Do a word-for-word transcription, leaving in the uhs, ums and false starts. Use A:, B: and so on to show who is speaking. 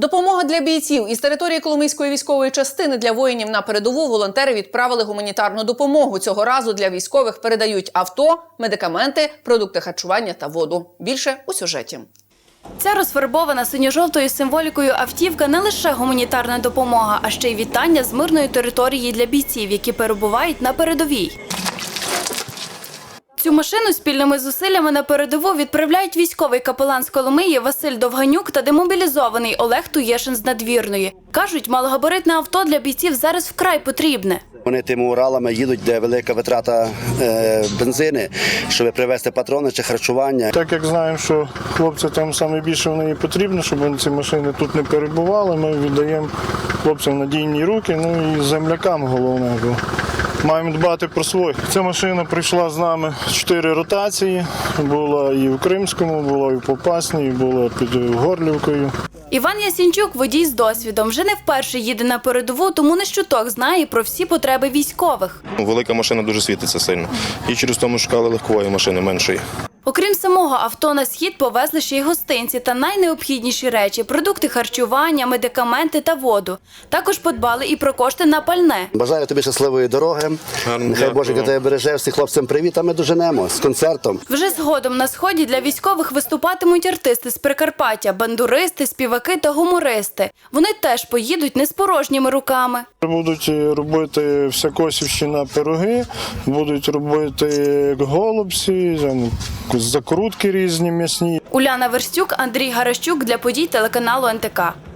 A: Допомога для бійців. Із території Коломийської військової частини для воїнів на передову волонтери відправили гуманітарну допомогу. Цього разу для військових передають авто, медикаменти, продукти харчування та воду. Більше у сюжеті.
B: Ця розфарбована синьо-жовтою символікою автівка не лише гуманітарна допомога, а ще й вітання з мирної території для бійців, які перебувають на передовій. Цю машину спільними зусиллями на передову відправляють військовий капелан з Коломиї Василь Довганюк та демобілізований Олег Туєшин з Надвірної. Кажуть, малогабаритне авто для бійців зараз вкрай потрібне.
C: Вони тими Уралами їдуть, де велика витрата е, бензини, щоб привезти патрони чи харчування.
D: Так як знаємо, що хлопцям там саме більше в неї потрібно, щоб ці машини тут не перебували, ми віддаємо хлопцям надійні руки, ну і землякам головне. Бо маємо дбати про своїх. Ця машина прийшла з нами чотири ротації, була і в Кримському, була і в Попасній, була під Горлівкою.
B: Іван Ясінчук – водій з досвідом. Вже не вперше їде на передову, тому не щуток знає про всі потреби військових.
E: Велика машина дуже світиться сильно. І через тому шукали легкової машини, меншої.
B: Окрім самого авто, на схід повезли ще й гостинці та найнеобхідніші речі – продукти харчування, медикаменти та воду. Також подбали і про кошти на пальне.
C: Бажаю тобі щасливої дороги.
E: Гарно,
C: Нехай
E: дякую.
C: Божик тебе береже. Всіх хлопцям привіт, а ми доженемо з концертом.
B: Вже згодом на сході для військових виступатимуть артисти з Прикарпаття – бандуристи, співаки та гумористи. Вони теж поїдуть не з порожніми руками.
D: Будуть робити всякосівщина пироги, будуть робити голубці, закрутки різні м'ясні.
B: Уляна Верстюк, Андрій Гаращук для подій телеканалу ен те ка.